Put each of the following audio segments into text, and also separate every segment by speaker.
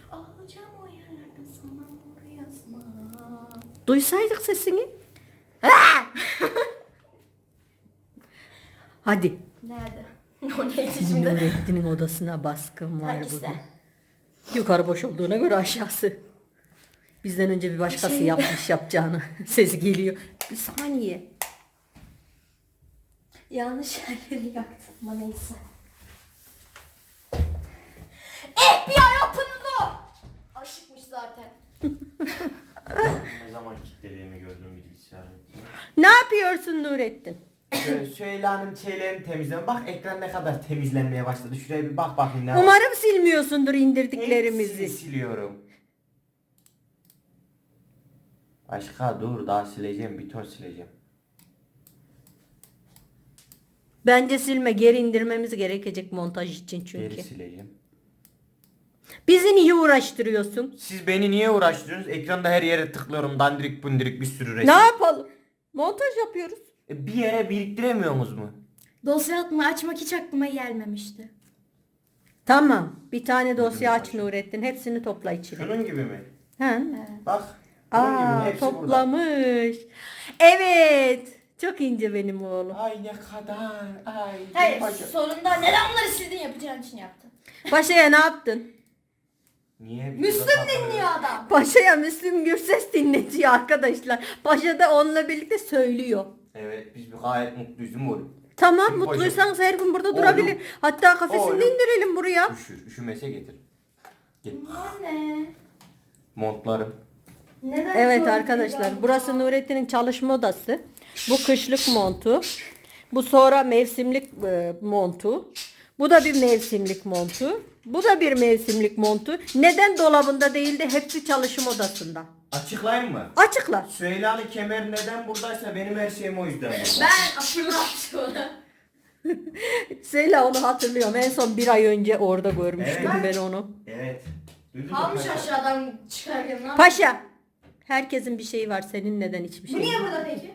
Speaker 1: Alacağım o yerlerde sana doğru yazma.
Speaker 2: Duysaydık sesini. Hadi.
Speaker 1: Nerede? O neydi şimdi?
Speaker 2: Nurettin'in odasına baskın var
Speaker 1: Hangisi?
Speaker 2: bugün. Yukarı boş olduğuna göre aşağısı. Bizden önce bir başkası yapmış yapacağını. Sesi geliyor. Bir saniye.
Speaker 1: Yanlış yerleri yaktım ama neyse. FBI open the door! Aşıkmış zaten.
Speaker 3: Ne zaman kilitlediğimi gördüm bilgisayarı.
Speaker 2: Ne yapıyorsun Nurettin?
Speaker 3: Şöyle hanım şeylerini temizledim. Bak ekran ne kadar temizlenmeye başladı. Şuraya bir bak bakayım ne var.
Speaker 2: Umarım silmiyorsundur
Speaker 3: Hepsini
Speaker 2: indirdiklerimizi.
Speaker 3: siliyorum. Başka dur daha sileceğim. Bir ton sileceğim.
Speaker 2: Bence silme, geri indirmemiz gerekecek montaj için çünkü.
Speaker 3: Geri sileceğim.
Speaker 2: Bizi niye uğraştırıyorsun?
Speaker 3: Siz beni niye uğraştırıyorsunuz? Ekranda her yere tıklıyorum. Dandirik bundirik bir sürü resim.
Speaker 2: Ne yapalım? Montaj yapıyoruz.
Speaker 3: Bir yere biriktiremiyorsunuz mu?
Speaker 1: Dosya açmak hiç aklıma gelmemişti.
Speaker 2: Tamam. Bir tane dosya aç Nurettin. Hepsini topla içine.
Speaker 3: Şunun gibi mi?
Speaker 2: Ha?
Speaker 3: Bak. Bunun gibi mi?
Speaker 2: Aa,
Speaker 3: Hepsi burada.
Speaker 2: toplamış. Evet. Çok ince benim oğlum.
Speaker 3: Ay ne kadar. Ay.
Speaker 1: Hayır,
Speaker 3: paşa.
Speaker 1: sonunda neden onları sildin yapacağın için yaptın.
Speaker 2: Paşa'ya ne yaptın?
Speaker 3: Niye?
Speaker 1: Müslüm dinliyor adam.
Speaker 2: Paşa'ya Müslüm Gürses dinletiyor arkadaşlar. Paşa da onunla birlikte söylüyor.
Speaker 3: Evet biz bir gayet mutluyuz değil mi oğlum?
Speaker 2: Tamam,
Speaker 3: Şimdi
Speaker 2: mutluysanız her gün burada
Speaker 3: Oğlum.
Speaker 2: durabilir. Hatta kafesini
Speaker 3: Oğlum.
Speaker 2: indirelim buraya.
Speaker 3: Üşümese getir. Git.
Speaker 1: Anne.
Speaker 3: Montlarım.
Speaker 1: Neden
Speaker 2: Evet
Speaker 1: böyle
Speaker 2: arkadaşlar,
Speaker 1: bir
Speaker 2: burası Nurettin'in çalışma odası. Bu kışlık montu. Bu sonra mevsimlik montu. Bu da bir mevsimlik montu. Bu da bir mevsimlik montu. Neden dolabında değil de hepsi çalışma odasında?
Speaker 3: Açıklayayım mı?
Speaker 2: Açıkla.
Speaker 3: Süheyla'nın kemer neden buradaysa benim her şeyim o yüzden burada.
Speaker 1: Ben hatırlattım onu.
Speaker 2: Söyle, onu hatırlıyorum. En son bir ay önce orada görmüştüm
Speaker 3: Evet.
Speaker 2: ben onu.
Speaker 3: Evet. Duydun mu
Speaker 1: Almış
Speaker 3: paşa?
Speaker 1: aşağıdan çıkarken ne yaptın?
Speaker 2: Paşa. Herkesin bir şeyi var. Senin neden hiçbir
Speaker 1: Bu
Speaker 2: şey
Speaker 1: niye
Speaker 2: yok?
Speaker 1: burada peki?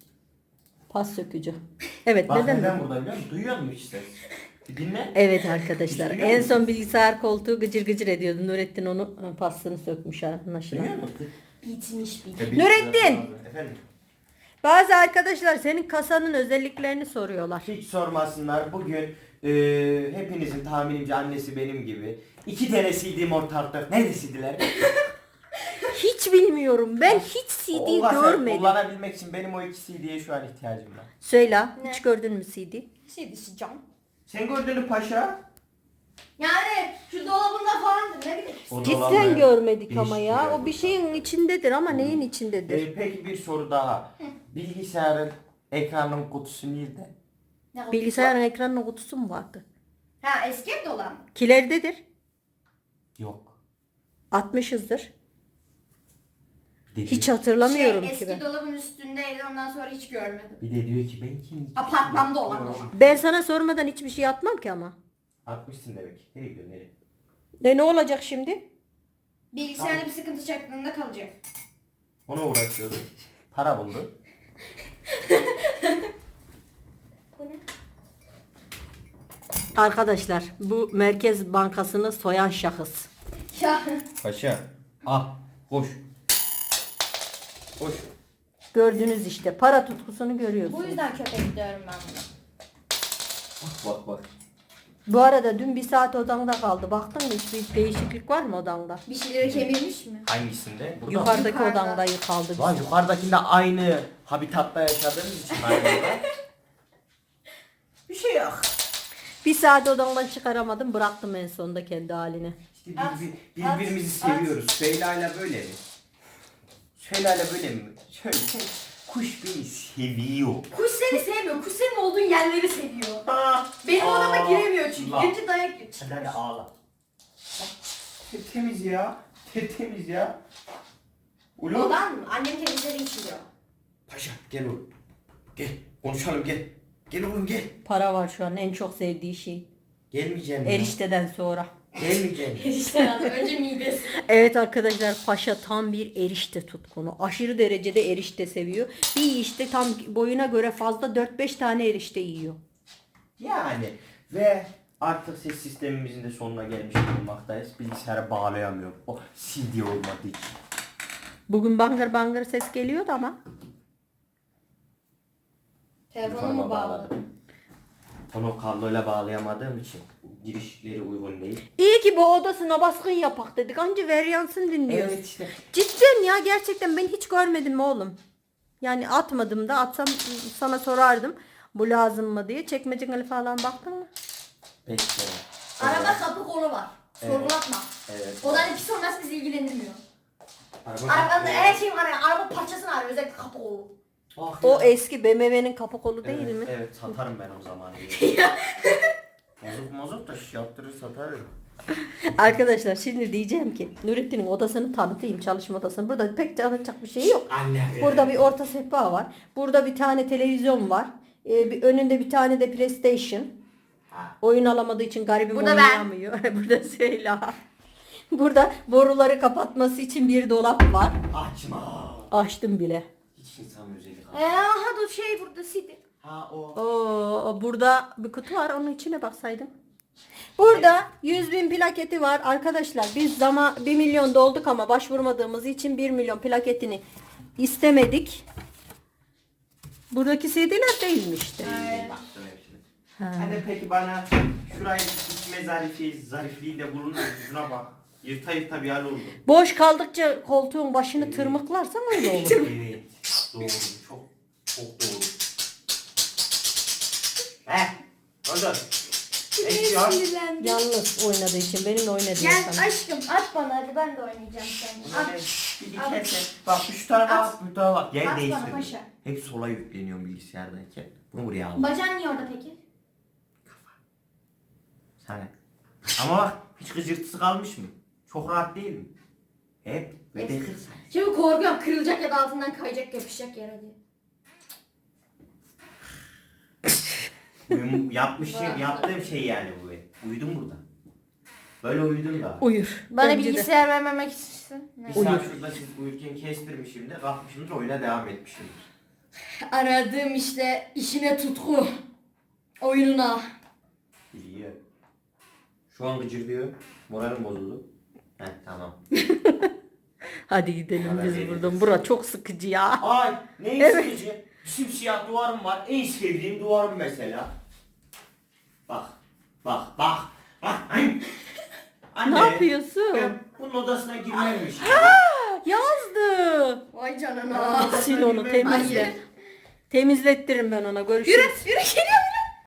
Speaker 2: Pas sökücü. Evet,
Speaker 3: Bak
Speaker 2: neden?
Speaker 3: neden burada biliyor musun? Duyuyor musun işte? Bir dinle.
Speaker 2: Evet arkadaşlar.
Speaker 3: Duyuyor
Speaker 2: En
Speaker 3: musun?
Speaker 2: son bilgisayar koltuğu gıcır gıcır ediyordu. Nurettin onu pasını sökmüş anlaşılan.
Speaker 3: Duyuyor musun?
Speaker 1: Bitmiş bir.
Speaker 2: Nurettin!
Speaker 3: Efendim?
Speaker 2: Bazı arkadaşlar senin kasanın özelliklerini soruyorlar.
Speaker 3: Hiç sormasınlar. Bugün hepinizin tahminimce annesi benim gibi. 2 tane CD'm ortalıkta. Neredesidiler?
Speaker 2: Hiç bilmiyorum. Ben hiç CD görmedim.
Speaker 3: Kullanabilmek için benim o 2 CD'ye şu an ihtiyacım var.
Speaker 2: Söyle.
Speaker 1: Ne?
Speaker 2: Hiç gördün mü CD?
Speaker 1: Şey düşeceğim.
Speaker 3: Sen gördün mü paşa?
Speaker 1: Yani şu dolabında falandır ne bileyim.
Speaker 3: O
Speaker 2: Cidden
Speaker 3: dolabı
Speaker 2: görmedik ama
Speaker 3: değişik
Speaker 2: ya.
Speaker 3: yer
Speaker 2: O bir şeyin içindedir ama neyin içindedir?
Speaker 3: Peki bir soru daha. Bilgisayarın ekranın kutusu nerede?
Speaker 1: Ne oldu?
Speaker 2: Bilgisayarın ekranının kutusu mu vardı?
Speaker 1: Ha eski evde olan mı?
Speaker 2: Kilerdedir.
Speaker 3: Yok.
Speaker 2: Atmışızdır.
Speaker 3: Bir de
Speaker 2: Hiç
Speaker 3: diyor,
Speaker 2: hatırlamıyorum
Speaker 1: Eski
Speaker 2: ki ben.
Speaker 1: dolabın üstündeydi ondan sonra hiç görmedim.
Speaker 3: bir de diyor ki ben kim?
Speaker 1: Apartmanda olan o.
Speaker 2: Ben sana sormadan hiçbir şey atmam ki ama.
Speaker 3: Atmışsın demek. Nereye gidiyorsun nereye?
Speaker 2: Ne olacak şimdi?
Speaker 1: Bilgisayarda bir sıkıntı çaktığında kalacak.
Speaker 3: Ona uğraşıyordu. Para buldu.
Speaker 1: Bu ne?
Speaker 2: Arkadaşlar, bu Merkez Bankası'nı soyan şahıs.
Speaker 1: Ya
Speaker 3: Paşa. Al. Koş. Koş.
Speaker 2: Gördünüz işte. Para tutkusunu
Speaker 1: bu
Speaker 2: görüyorsunuz.
Speaker 1: yüzden köpek diyorum ben buna.
Speaker 3: Bak bak.
Speaker 2: Bu arada dün bir saat odanda kaldı. Baktın mı hiçbir değişiklik var mı odanda?
Speaker 1: Bir şeyleri kemirmiş mi?
Speaker 3: Hangisinde? Burada mı?
Speaker 2: Yukarıdaki
Speaker 1: Yukarıda.
Speaker 2: odanda kaldı.
Speaker 3: Lan yukarıdakinde aynı habitatta yaşadığımız için aynı orada. Bir şey yok.
Speaker 2: Bir saat odandan çıkaramadım. Bıraktım en sonunda kendi haline.
Speaker 3: İşte
Speaker 1: At,
Speaker 3: birbirimizi
Speaker 1: at,
Speaker 3: seviyoruz. Süheyla'yla böyle mi? Süheyla'yla böyle mi? Şöyle kuş beni seviyor.
Speaker 1: Kuş seni sevmiyor. Kuş senin olduğun yerleri seviyor.
Speaker 3: Ah,
Speaker 1: Benim odama
Speaker 3: ah,
Speaker 1: giremiyor çünkü.
Speaker 3: Allah.
Speaker 1: Girince dayak yiyor.
Speaker 3: Hadi hadi ağla. Temiz ya. Temiz ya. Ulu.
Speaker 1: Odan mı? Annem temizlediği için diyor.
Speaker 3: Paşa gel oğlum. Gel konuşalım gel. Gel oğlum gel.
Speaker 2: Para var şu an en çok sevdiği şey.
Speaker 3: Gelmeyeceğim ya.
Speaker 2: Erişteden sonra.
Speaker 3: Gelmeyeceğim.
Speaker 1: İşte lazım. Önce midesi.
Speaker 2: Evet arkadaşlar, Paşa tam bir erişte tutkunu. Aşırı derecede erişte seviyor. Bir işte tam boyuna göre fazla 4-5 tane erişte yiyor.
Speaker 3: Yani ve Artık ses sistemimizin de sonuna gelmiş bulunmaktayız. Bilgisayara bağlayamıyorum. O CD olmadığı için.
Speaker 2: Bugün bangır bangır ses geliyordu ama.
Speaker 1: Telefonu mu bağlı?
Speaker 3: Onu kabloyla bağlayamadığım için girişleri uygun değil.
Speaker 2: İyi ki bu odasına baskın yapak dedik. Anca Veryans'ın dinliyoruz.
Speaker 3: Evet işte.
Speaker 2: Cidden ya, gerçekten ben hiç görmedim oğlum. Yani atmadım da, atsam sana sorardım. Bu lazım mı diye. Çekmeceli falan baktın mı?
Speaker 3: Peki.
Speaker 1: Araba kapı kolu var.
Speaker 3: Evet.
Speaker 1: Sorgulatma.
Speaker 3: Evet.
Speaker 1: Odanın pis olması bizi ilgilendirmiyor.
Speaker 3: Araba
Speaker 1: Arabanın her şeyi var ya. Araba parçasını arıyor. Özellikle kapı kolu.
Speaker 3: Ah
Speaker 2: O
Speaker 3: ya.
Speaker 2: eski BMW'nin kapı kolu değil
Speaker 3: Evet,
Speaker 2: mi?
Speaker 3: evet satarım ben o zaman. Mazot da yaptırır satarım.
Speaker 2: Arkadaşlar şimdi diyeceğim ki Nurettin'in odasını tanıtayım, çalışma odasını. Burada pek tanıtacak bir şey yok.
Speaker 3: Anne.
Speaker 2: Burada bir orta sehpa var. Burada bir tane televizyon var. Önünde bir tane de PlayStation. Oyun alamadığı için garibim
Speaker 1: Burada ben.
Speaker 2: oynayamıyor. Burada Süheyla. Burada boruları kapatması için bir dolap var.
Speaker 3: Açma.
Speaker 2: Açtım bile.
Speaker 3: Hiç insan özellik
Speaker 1: Aha dur şey burada CD.
Speaker 3: Ha o.
Speaker 2: Oo, burada bir kutu var, onun içine baksaydım. Burada 100.000 plaketi var arkadaşlar. Biz 1 milyon dolduk ama başvurmadığımız için 1 milyon plaketini istemedik. Buradaki CD'ler değilmişti.
Speaker 3: Baktım hepsine. Hani peki bana şurayı içme zarifliği de bulunur. Şuna bak. Yırta yırta bir hal oldu.
Speaker 2: Boş kaldıkça koltuğun başını tırmıklarsan öyle olur.
Speaker 3: Evet. Doğru. Çok doğru. Oldu. Eksiyor.
Speaker 1: Sinirlendim.
Speaker 2: Yalnız oynadığı için, benimle oynadığı
Speaker 1: Gel
Speaker 2: sana.
Speaker 1: aşkım aç bana hadi ben de oynayacağım seninle. At.
Speaker 3: Bir dikersen. Bak şu tarafa
Speaker 1: At.
Speaker 3: bak, bu tarafa bak. Yer
Speaker 1: At bana
Speaker 3: değiştirdim.
Speaker 1: paşa.
Speaker 3: Hep sola yükleniyorum bilgisayardayken. Bunu buraya aldım.
Speaker 1: Bacağın niye orada peki?
Speaker 3: Sana. Ama bak hiç gıcırtısı kalmış mı? Çok rahat değil mi? Hep ve
Speaker 1: Evet.
Speaker 3: dekir.
Speaker 1: Şimdi korkuyorum kırılacak ya da altından kayacak yapışacak yere diye.
Speaker 3: Yaptığım şey yani bu. Uyudum burada. Böyle uyudum da.
Speaker 2: Uyur.
Speaker 1: Bana
Speaker 2: Bence de.
Speaker 1: bilgisayar vermemek istiyorsun.
Speaker 3: Bir saat şurada siz uyurken kestirmişim de kalkmışımdır oyuna devam etmişimdir.
Speaker 1: Aradığım işte işine tutku. Oyununa.
Speaker 3: İyi. Şu an gıcırdıyor. Moralim bozuldu. Heh tamam.
Speaker 2: Hadi gidelim
Speaker 3: Haber
Speaker 2: biz
Speaker 3: veririz.
Speaker 2: buradan. Bura çok sıkıcı ya.
Speaker 3: Ay ne
Speaker 2: Evet.
Speaker 3: sıkıcı. Simsiyah duvarım var. En sevdiğim duvarım mesela. Bak. Bak. Bak. Bak. Ay. Anne.
Speaker 2: Ne yapıyorsun?
Speaker 3: Ben bunun odasına girmemiş.
Speaker 2: Yazdı.
Speaker 1: Vay canına.
Speaker 2: Sil onu, temizle.
Speaker 1: Hayır.
Speaker 2: Temizlettiririm ben ona. Görüşürüz.
Speaker 1: Yürü git.